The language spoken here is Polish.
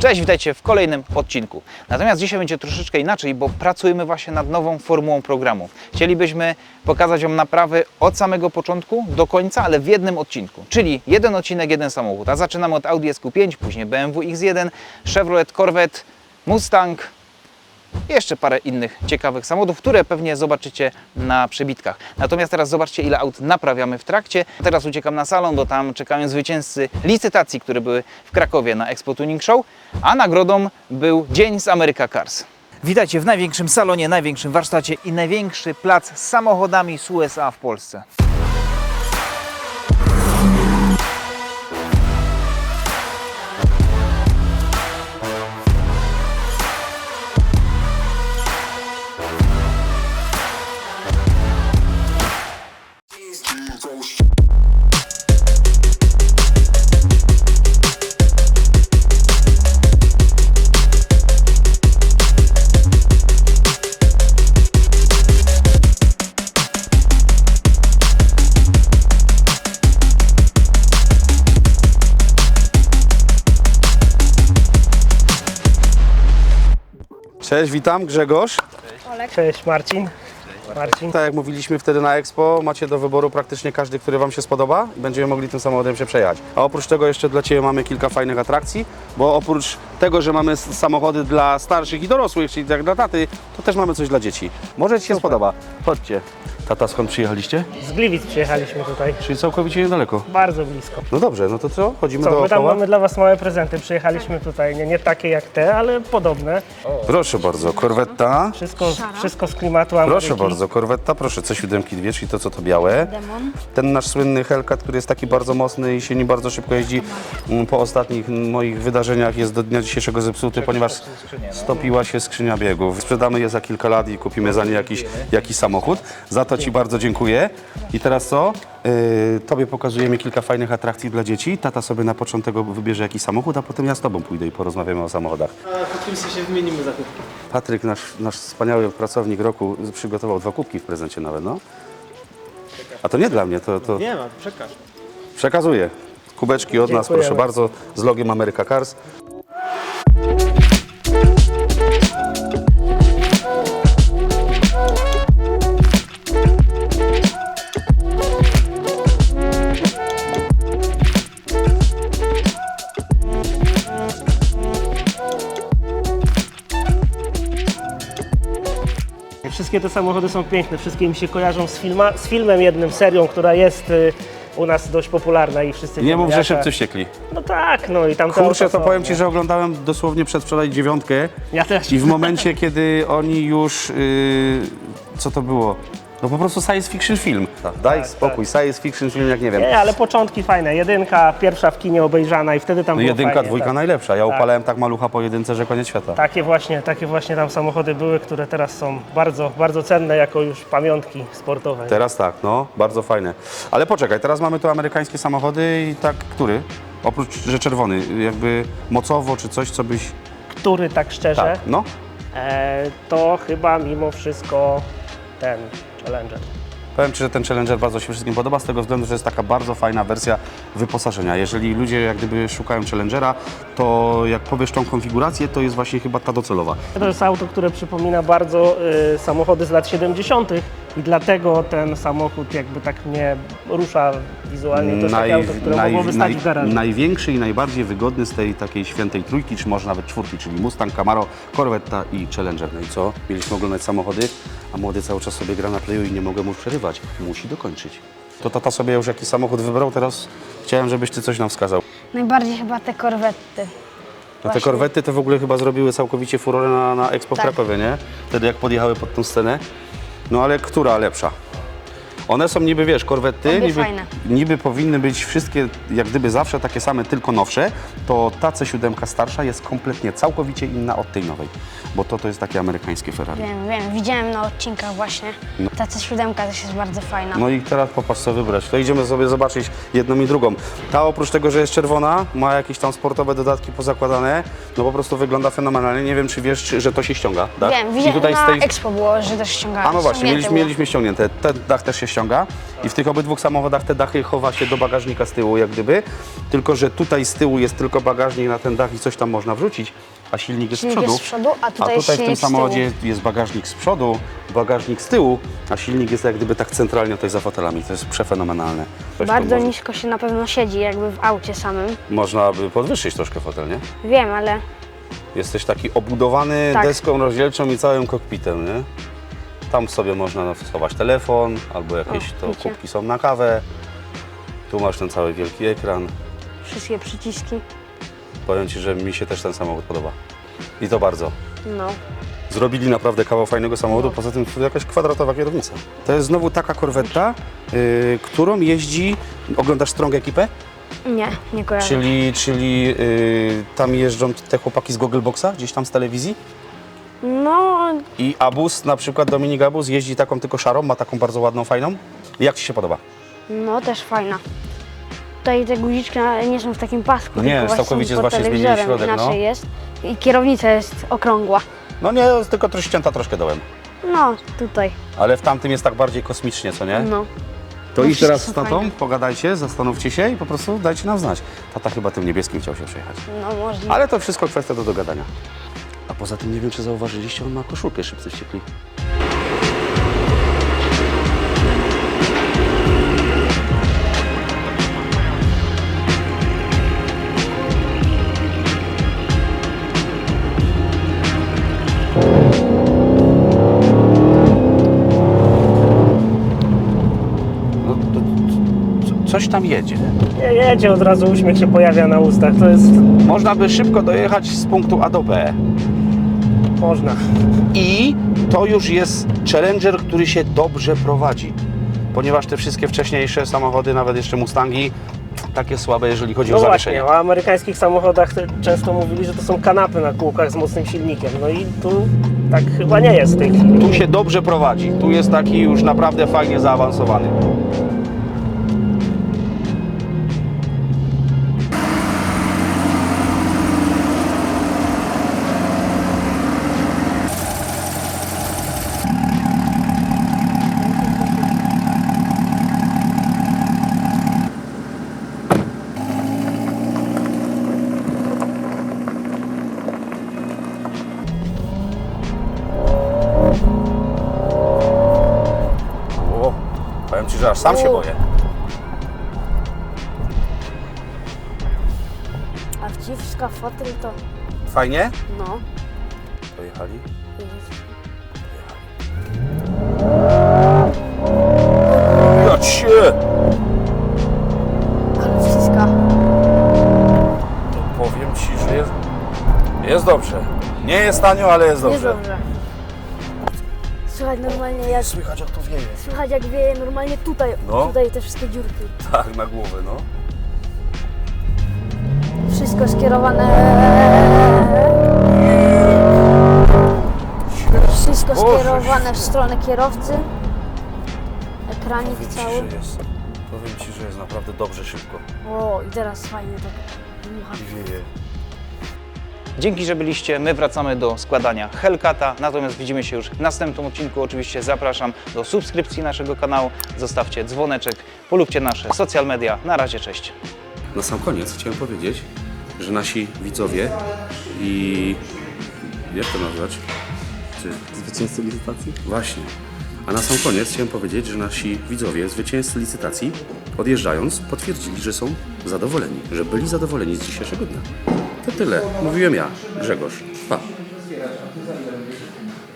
Cześć, witajcie w kolejnym odcinku. Natomiast dzisiaj będzie troszeczkę inaczej, bo pracujemy właśnie nad nową formułą programu. Chcielibyśmy pokazać Wam naprawy od samego początku do końca, ale w jednym odcinku. Czyli jeden odcinek, jeden samochód. A zaczynamy od Audi SQ5, później BMW X1, Chevrolet Corvette, Mustang i jeszcze parę innych ciekawych samochodów, które pewnie zobaczycie na przebitkach. Natomiast teraz zobaczcie, ile aut naprawiamy w trakcie. Teraz uciekam na salon, bo tam czekają zwycięzcy licytacji, które były w Krakowie na Expo Tuning Show, a nagrodą był Dzień z America Cars. Witajcie w największym salonie, największym warsztacie i największy plac z samochodami z USA w Polsce. Cześć, witam, Grzegorz. Cześć, Marcin. Tak jak mówiliśmy wtedy na Expo, macie do wyboru praktycznie każdy, który Wam się spodoba i będziemy mogli tym samochodem się przejechać. A oprócz tego jeszcze dla Ciebie mamy kilka fajnych atrakcji, bo oprócz tego, że mamy samochody dla starszych i dorosłych, czyli tak dla taty, to też mamy coś dla dzieci. Może Ci się spodoba. Chodźcie. Tata, skąd przyjechaliście? Z Gliwic przyjechaliśmy tutaj. Czyli całkowicie niedaleko. Bardzo blisko. No dobrze, no to co? Chodzimy My tam dookoła? mamy dla Was małe prezenty. Przyjechaliśmy tutaj, nie takie jak te, ale podobne. Proszę bardzo, korwetta. Wszystko z klimatu Ameryki. Proszę bardzo, korwetta, proszę, C7 dwie, czyli to co to białe. Demon. Ten nasz słynny Hellcat, który jest taki bardzo mocny i się nim bardzo szybko jeździ, po ostatnich moich wydarzeniach jest do dnia dzisiejszego zepsuty, ponieważ stopiła się skrzynia biegów. Sprzedamy je za kilka lat i kupimy za nie jakiś samochód. Za to Ci bardzo dziękuję. I teraz co? Tobie pokazujemy kilka fajnych atrakcji dla dzieci. Tata sobie na początek wybierze jakiś samochód, a potem ja z Tobą pójdę i porozmawiamy o samochodach. A po kimś się wymienimy zakupki. Patryk, nasz wspaniały pracownik roku, przygotował 2 kubki w prezencie nawet, no. A to nie dla mnie, to... Nie ma, przekaż. Przekazuję. Kubeczki od nas, Dziękujemy. proszę bardzo, z logiem America Cars. Wszystkie te samochody są piękne, wszystkie mi się kojarzą z filmem jednym, serią, która jest u nas dość popularna i wszyscy Nie wiemy, mów, że jaka. szybcy wściekli. No tak, no i tam te Kurczę, auta to są, powiem Ci, nie? że oglądałem dosłownie przedwczoraj 9 Ja też. i w momencie, kiedy oni już... co to było? No po prostu science fiction film. Daj spokój, science fiction film jak nie wiem. Nie, ale początki fajne. Jedynka, pierwsza w kinie obejrzana i wtedy tam No było jedynka, fajnie, dwójka tak. najlepsza. Ja upalałem tak malucha po jedynce, że koniec świata. Takie właśnie tam samochody były, które teraz są bardzo, bardzo cenne jako już pamiątki sportowe. Teraz tak, no, bardzo fajne. Ale poczekaj, teraz mamy tu amerykańskie samochody i tak, który? Oprócz, że czerwony, jakby mocowo czy coś, co byś... Który tak szczerze, Tak, no. to chyba mimo wszystko ten Challenger. Powiem Ci, że ten Challenger bardzo się wszystkim podoba z tego względu, że jest taka bardzo fajna wersja wyposażenia. Jeżeli ludzie jak gdyby szukają Challengera, to jak powiesz tą konfigurację, to jest właśnie chyba ta docelowa. To jest auto, które przypomina bardzo samochody z lat 70. i dlatego ten samochód jakby tak mnie rusza wizualnie. To jest takie auto, które mogłoby stać w garażu. Największy i najbardziej wygodny z tej takiej świętej trójki, czy może nawet czwórki, czyli Mustang, Camaro, Corvetta i Challenger. No i co? Mieliśmy oglądać samochody, a młody cały czas sobie gra na playu i nie mogę mu przerywać. Musi dokończyć. To tata sobie już jakiś samochód wybrał, teraz chciałem, żebyś Ty coś nam wskazał. Najbardziej chyba te korwety. No te korwety to w ogóle chyba zrobiły całkowicie furorę na Expo w Tak. Krakowie, nie? Wtedy jak podjechały pod tą scenę. No ale która lepsza? One są niby, wiesz, korwety, Obie fajne. niby powinny być wszystkie jak gdyby zawsze takie same, tylko nowsze, to ta C7 starsza jest kompletnie, całkowicie inna od tej nowej, bo to jest takie amerykańskie Ferrari. Wiem, widziałem na odcinkach właśnie. Ta C7 też jest bardzo fajna. No i teraz popatrz co wybrać. To idziemy sobie zobaczyć jedną i drugą. Ta oprócz tego, że jest czerwona, ma jakieś tam sportowe dodatki pozakładane, no po prostu wygląda fenomenalnie. Nie wiem, czy wiesz, że to się ściąga, dach? Wiem, I widziałem tutaj na z tej... Expo było, że też ściąga. A no właśnie, ściągnięte mieliśmy ściągnięte. Ten dach też się ściąga i w tych obydwu samochodach te dachy chowa się do bagażnika z tyłu jak gdyby, tylko że tutaj z tyłu jest tylko bagażnik na ten dach i coś tam można wrzucić, a silnik jest z Silnik przodu. jest z przodu, a tutaj jest w tym silnik z tyłu. samochodzie jest bagażnik z przodu, bagażnik z tyłu, a silnik jest jak gdyby tak centralnie tutaj za fotelami. To jest przefenomenalne. Coś tu Bardzo może- nisko się na pewno siedzi, jakby w aucie samym. Można by podwyższyć troszkę fotel, nie? Wiem, ale Jesteś taki obudowany Tak. deską rozdzielczą i całym kokpitem, nie? Tam sobie można schować telefon, albo jakieś O, to widzicie. kubki są na kawę. Tu masz ten cały wielki ekran. wszystkie przyciski. Powiem Ci, że mi się też ten samochód podoba. I to bardzo. No. Zrobili naprawdę kawał fajnego samochodu, poza tym jakaś kwadratowa kierownica. To jest znowu taka korwetta, którą jeździ... Oglądasz Strong Ekipę? Nie kojarzę. Czyli tam jeżdżą te chłopaki z Goggleboxa, gdzieś tam z telewizji? No, I Abus, na przykład Dominik Abus jeździ taką tylko szarą, ma taką bardzo ładną, fajną. Jak Ci się podoba? no też fajna. Tutaj te guziczki nie są w takim pasku, No nie, tylko całkowicie są pod właśnie zmienili telewizorem, środek, no. inaczej jest. I kierownica jest okrągła. No nie, jest tylko ścięta troszkę dołem. No, tutaj. Ale w tamtym jest tak bardziej kosmicznie, co nie? No. To No idź teraz z wszystko tatą, fajne. pogadajcie, zastanówcie się i po prostu dajcie nam znać. Tata chyba tym niebieskim chciał się przejechać. No możliwe. Ale to wszystko kwestia do dogadania. A poza tym nie wiem, czy zauważyliście, on ma koszulkę Szybcy Wściekli. No, coś tam jedzie. Nie jedzie, od razu uśmiech się pojawia na ustach. To jest... Można by szybko dojechać z punktu A do B. można. I to już jest Challenger, który się dobrze prowadzi. Ponieważ te wszystkie wcześniejsze samochody, nawet jeszcze Mustangi, takie słabe, jeżeli chodzi No o właśnie, zawieszenie. o amerykańskich samochodach często mówili, że to są kanapy na kółkach z mocnym silnikiem. No i tu tak chyba nie jest w tej chwili. Tu się dobrze prowadzi. Tu jest taki już naprawdę fajnie zaawansowany. O, powiem Ci, że aż sam się boję. A wciska fotel to... Fajnie? No. Pojechali. Ja cię! Ale wciska. To powiem Ci, że jest dobrze. Nie jest tanio, ale jest Jest dobrze. dobrze. Słychać normalnie jak... Słychać jak to wieje. Słychać jak wieje normalnie tutaj. No. Tutaj te wszystkie dziurki. Tak, na głowę, no. Wszystko skierowane... Wszystko Boże skierowane w stronę kierowcy. Ekranik Powiem Ci, cały. że jest. Powiem Ci, że jest naprawdę dobrze szybko. O, i teraz fajnie tak dmucha. I wieje. Dzięki, że byliście. My wracamy do składania Hellcata, natomiast widzimy się już w następnym odcinku. Oczywiście zapraszam do subskrypcji naszego kanału, zostawcie dzwoneczek, polubcie nasze social media. Na razie, cześć. Na sam koniec chciałem powiedzieć, że nasi widzowie i... jak to nazwać? Zwycięzcy licytacji? Właśnie. A na sam koniec chciałem powiedzieć, że nasi widzowie, zwycięzcy licytacji, odjeżdżając, potwierdzili, że są zadowoleni, że byli zadowoleni z dzisiejszego dnia. To tyle. Mówiłem ja, Grzegorz. Pa.